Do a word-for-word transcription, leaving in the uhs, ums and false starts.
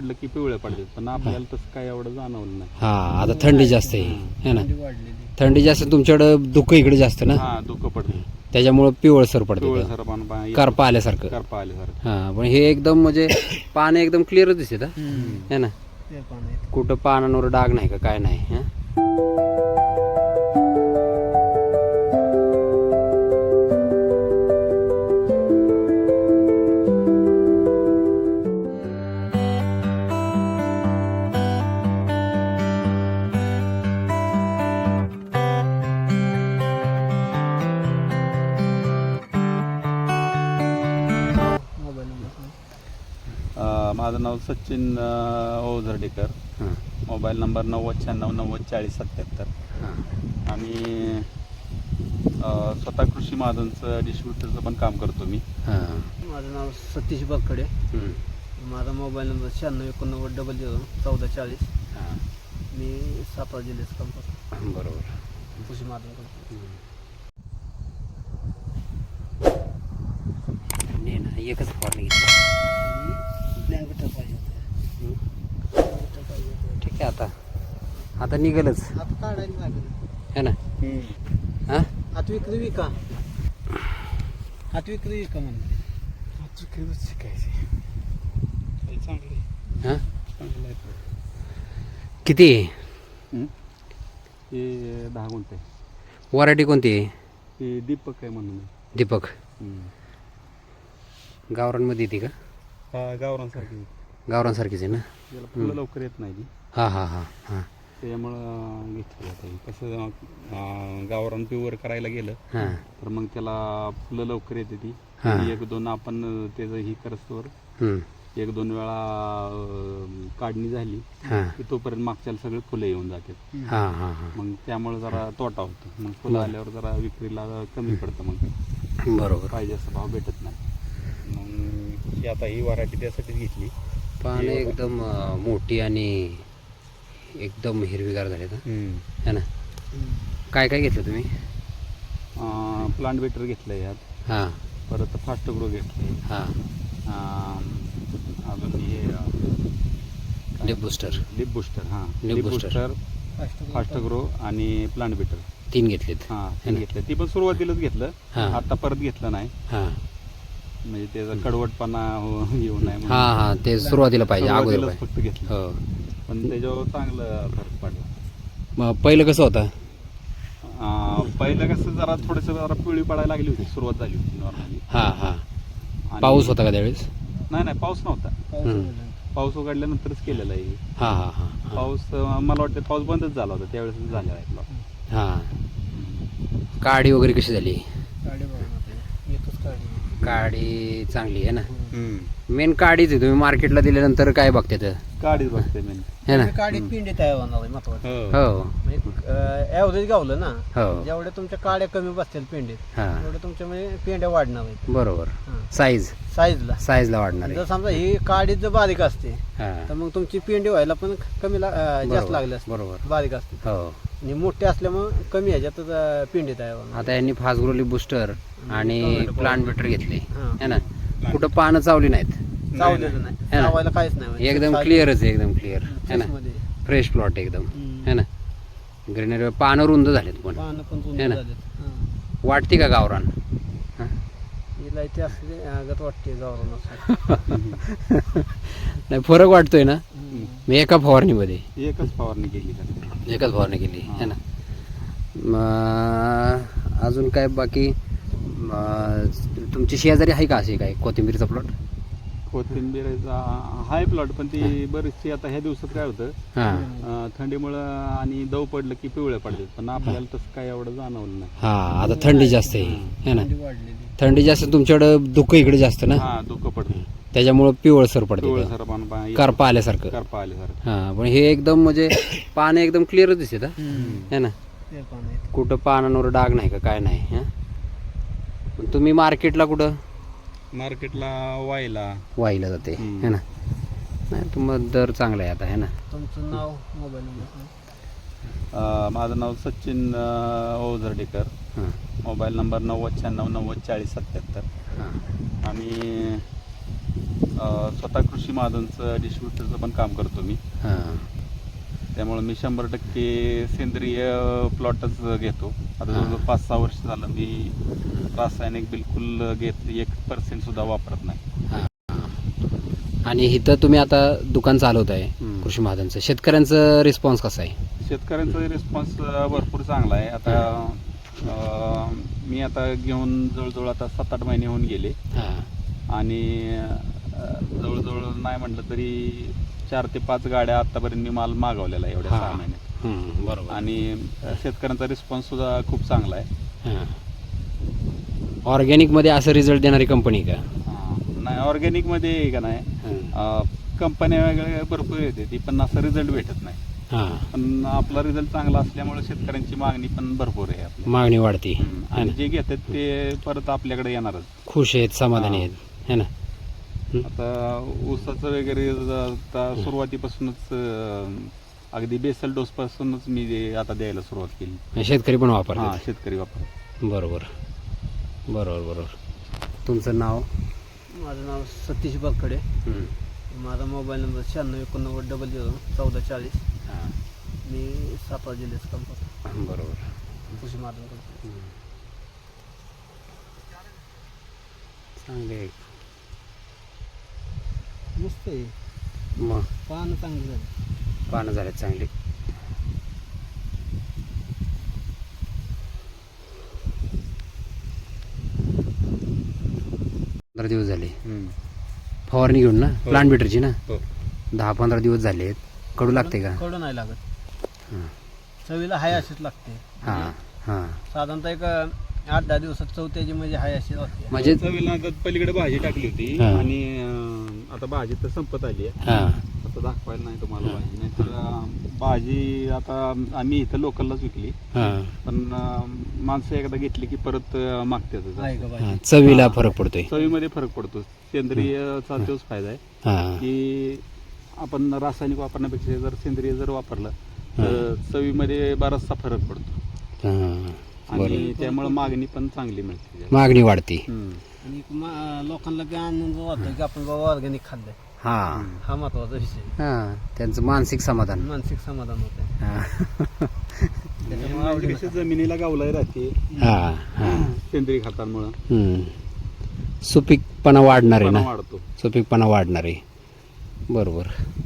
पडलं की पिवळे पडतात, पण आपल्याला तसं काय एवढं जाणवलं नाही. हा आता थंडी जास्त आहे है ना, थंडी जास्त तुमच्याकडं दुःख इकडे जास्त ना, हा दुःख पडतं, त्याच्यामुळं पिवळसर पडतं, पिवळसर पान करपा आल्यासारखं. करपा आल्यासारखं. हा पण हे एकदम म्हणजे पान एकदम क्लिअर दिसते है ना, कुठं पानांवर डाग नाही का काय नाही. हा माझं नाव सचिन ओझरडेकर, मोबाईल नंबर नव्वद शहाण्णव नव्वद चाळीस सत्याहत्तर. आणि स्वतः कृषी महाजनचं डिस्ट्रीब्युटरचं पण काम करतो मी. माझं नाव सतीश बकडे, माझा मोबाईल नंबर शहाण्णव एकोणनव्वद डबल झिरो चौदा चाळीस. मी सातारा जिल्ह्याचं काम करतो. बरोबर, कृषी महाजन करतो. एकच फवारणी प्लॅन बिटर पाहिजे होतं. प्लॅन बिटर पाहिजे होतं. ठीक आहे, आता आता निघालच आता काढायला लागेल है ना. हा हात विक्री विका, हात विक्री विका म्हणजे हात विक्रीच शिकायचे. चांगले हा चांगलं आहे. किती हे दहा गुंठे. व्हरायटी कोणती आहे? हे दीपक आहे म्हणून. दीपक गावरांमध्ये येते का? हा गावरांसारखी, गावरांसारखीच आहे ना. त्याला फुलं लवकर येत नाही ती, हा हा हा हा त्याच्यामुळं घेतलं जातं. कसं गावरान प्युअर करायला गेलं हां तर मग त्याला फुलं लवकर येते ती. हां. एक दोन आपण त्याचं ही करस्तोवर हम्म. एक दोन वेळा अं, काढणी झाली हां की तोपर्यंत मागच्याला सगळे फुलं येऊन जातात. हां हां हां मग त्यामुळे जरा तोटा होतो. मग फुलं आल्यावर जरा विक्रीला कमी पडतं, मग बरोबर. पाहिजे असं भाव भेटत नाही. मग ही आता ही व्हरायटी त्यासाठीच घेतली. पानं एकदम अं, मोठी आणि एकदम हिरवीगार झाले है ना. काय काय घेतलं तुम्ही? प्लांट बेटर घेतलं यात, हां परत फास्ट ग्रो घेतले, हां अजून हे लिप बुस्टर, लिप बुस्टर. हां lip lip booster. Booster, fast grow आणि प्लांट बेटर तीन घेतलेत. हां तीन घेतलं. ती पण सुरुवातीलाच घेतलं, हां. आता परत घेतलं नाही. हां म्हणजे त्याचा कडवटपणा हो- येऊ नये म्हणून. हां हां ते सुरुवातीला पाहिजे, अगोदर सुरुवातीलाच पाहिजे. फक्त घेतलं, हो. पण त्याच्यावर चांगलं फरक पडला. मग पहिलं कसं होतं? अं, पहिलं कसं जरा थोडंसं जरा पिवळी पडायला लागली होती, सुरुवात झाली होती नॉर्मली. हां हां आणि- पाऊस होता का त्यावेळेस? नाही नाही पाऊस नव्हता. हम्म. पाऊस उघडल्यानंतरच केलेला आहे. हां हां हां हां पाऊस अं, मला वाटतं पाऊस बंदच झाला होता त्यावेळेस झालेला आहे plot. हां. काडी वगैरे कशी झाली? काढे बघा ना आपल्याला. एकच काढी. काडी चांगली आहे ना. मेन काडीच आहे. तुम्ही मार्केटला दिल्यानंतर काय बघते तर काडीच बघते मी. है ना. काढीत पिंडी तयार होणार आहे महत्वाचं. हो म्हणजे ॲव्हरेज गावलं ना, हो जेवढ्या तुमच्या काड्या कमी बसतील पेंडीत हां तेवढे तुमच्या म्हणजे पेंड्या वाढणार आहेत बरोबर. हां. साईज साईजला. साईजला वाढणार जर आहे. समजा ही काडी जर बारीक असते हां तर मग तुमची पेंडी व्हायला पण कमी ला- अं, जास्त बरोबर, लागली असते. बरोबर. बारीक असते हो. आणि मोठे असल्यामुळे कमी ह्याच्यातच अं, पेंडी तयार होणार. आता यांनी फास्ट ग्रोली बुस्टर आणि प्लांट बेटर घेतले हां. है ना. कुठं पानं चावली नाहीत, चावलेलं नाही, है ना. चावायला काहीच नाही म्हणजे. एकदम साईज- क्लिअरच आहे, एकदम क्लिअर है ना. फ्रेशमध्ये. फ्रेश प्लॉट एकदम हम्म. है ना. ग्रीनरी पानं रुंद झालेत पण. पानं पण रुंद है ना. झालेत. हां. वाटते का गावरान? हां? हिला इथे असले आगत वाटते गावरान असं. नाही फरक वाटतोय ना. मी एका फवारणीमध्ये एकच फवारणी केली का? एकच फवारणी केली है ना. मग अजून काय बाकी? मग तुमची शेजारी आहे का अशी काय कोथिंबीरचा प्लॉट? कोथिंबीरचा हाय प्लॉट, पण ती बरीचशी आता ह्या दिवसात काय होतं, हां अं, थंडीमुळं आणि दव पडलं की पिवळे पडतात, पण आपल्याला तसं काय एवढं जाणवलं नाही. हां आता थंडी जास्त आहे है ना. थंडी वाढलेली. थंडी जास्त तुमच्याकडं दुःख इकडे जास्त ना, हा दुःख पडतं, त्याच्यामुळं पिवळसर पडते, पिवळसर पान पा- करपा आल्यासारखं. करपा आल्यासारखं. हां पण हे एकदम म्हणजे पानं एकदम क्लिअर दिसत हम्म. है ना. ते पानं आहेत. कुठं पानांवर डाग नाही का काय नाही. हां पण तुम्ही मार्केटला कुठं मार्केटला वायला वाहिला जाते हम्म. है ना. नाही तुम्हाला दर चांगला आहे आता है ना. तुमचं नाव, मोबाईल नंबर. अं, माझं नाव सचिन अं, ओझरडेकर, हां मोबाईल नंबर नव्वद शहाण्णव नव्वद चाळीस सत्याहत्तर. हां आणि अ, स्वतः कृषी महाजनचं डिस्ट्रीब्युटरचं पण काम करतो मी. हां त्यामुळे मी शंभर टक्के सेंद्रिय प्लॉटच घेतो. आता हां. जवळजवळ पाच सहा वर्ष झालं मी रासायनिक बिलकुल घेत एक पर्सेंट सुद्धा वापरत नाही. आणि इथं तुम्ही आता दुकान चालवत आहे हम्म. कृषी महाजनचं, शेतकऱ्यांचं रिस्पॉन्स कसा आहे? शेतकऱ्यांचा रिस्पॉन्स भरपूर चांगला आहे. आता अ, मी आता घेऊन जवळजवळ आता सात आठ महिने होऊन गेले हां आणि अ, जवळजवळ नाही म्हटलं तरी चार ते पाच गाड्या आतापर्यंत मी माल मागवलेला आहे एवढ्या हां. सहा महिन्यात. हम्म, बरोबर. आणि अ, शेतकऱ्यांचा रिस्पॉन्स सुद्धा खूप चांगला आहे. हां ऑर्गॅनिकमध्ये असं रिझल्ट देणारी कंपनी का? हां. नाही ऑर्गॅनिकमध्ये आहे का नाही हां कंपन्या वेगळ्या भरपूर येते ती पण असं रिझल्ट भेटत नाही. हां पण आपला रिझल्ट चांगला असल्यामुळे शेतकऱ्यांची मागणी पण भरपूर आहे आपल्या. मागणी वाढती हम्म. है आणि ना, जे घेतात ते परत आपल्याकडे येणारच. खुश आहेत, समाधानी हां. आहेत, है ना. आता ऊसाचं वगैरे ज- आता सुरुवातीपासूनच अं, अगदी बेसल डोस पासूनच मी ते आता द्यायला सुरुवात केली. शेतकरी पण हा वापरतात. शेतकरी वापर. बरोबर बरोबर बरोबर. तुमचं नाव? माझं नाव सतीश बकडे. हम्म. माझा मोबाईल नंबर शहाण्णव एकोणनव्वद डबल झिरो चौदा चाळीस. हां मी सातारा जिल्ह्याचं काम करतो, बरोबर. कृषी महाजन करतो. चांगले आहे. मस्त आहे, मग पानं चांगली झाली. पानं झालेत चांगली. पंधरा दिवस झाले फवारणी घेऊन ना, हो. प्लांट बिटरची ना. हो. दहा पंधरा दिवस झाले आहेत. कडू लागते का? कडू नाही लागत, हां चवीला हाय अशीच लागते. हां हां साधारणतः एक आठ दहा दिवसात चौथ्याची म्हणजे हाय अशी लागते. म्हणजे चवीला आता पलीकडे भाजी टाकली होती हा. आणि अं, आता भाजी तर संपत आली आहे. हां आता दाखवायला नाही तुम्हाला हा. भाजी नाही तर अं, भाजी आता आम्ही इथं लोकललाच विकली. हां पण अं, माणसं एकदा घेतली की परत अं, मागतात. आहे का हां भाजी? चवीला हां. फरक पडतोय. चवीमध्ये फरक पडतो. सेंद्रियचा तोच फायदा आहे हां की आपण रासायनिक वापरण्यापेक्षा जर सेंद्रिय जर वापरलं तर चवीमध्ये बराचसा फरक पडतो हां आणि बरोबर. त्यामुळे मागणी पण चांगली मिळते. मागणी वाढते. हम्म. आणि मा- लोकांना बी आनंद वाटतो की आपण बाबा ऑर्गॅनिक खाल्लंय. हां हा महत्वाचा विषय. हां त्यांचं मानसिक समाधान. मानसिक समाधान होत हां त्याच्यामुळे म्हणजे आवडीनं कशी जमिनीला गावलाय राहते हां हां सेंद्रिय खतांमुळे हम्म. सुपीकपणा वाढणार आहे ना, वाढतो. सुपीकपणा वाढणार आहे. बरोबर.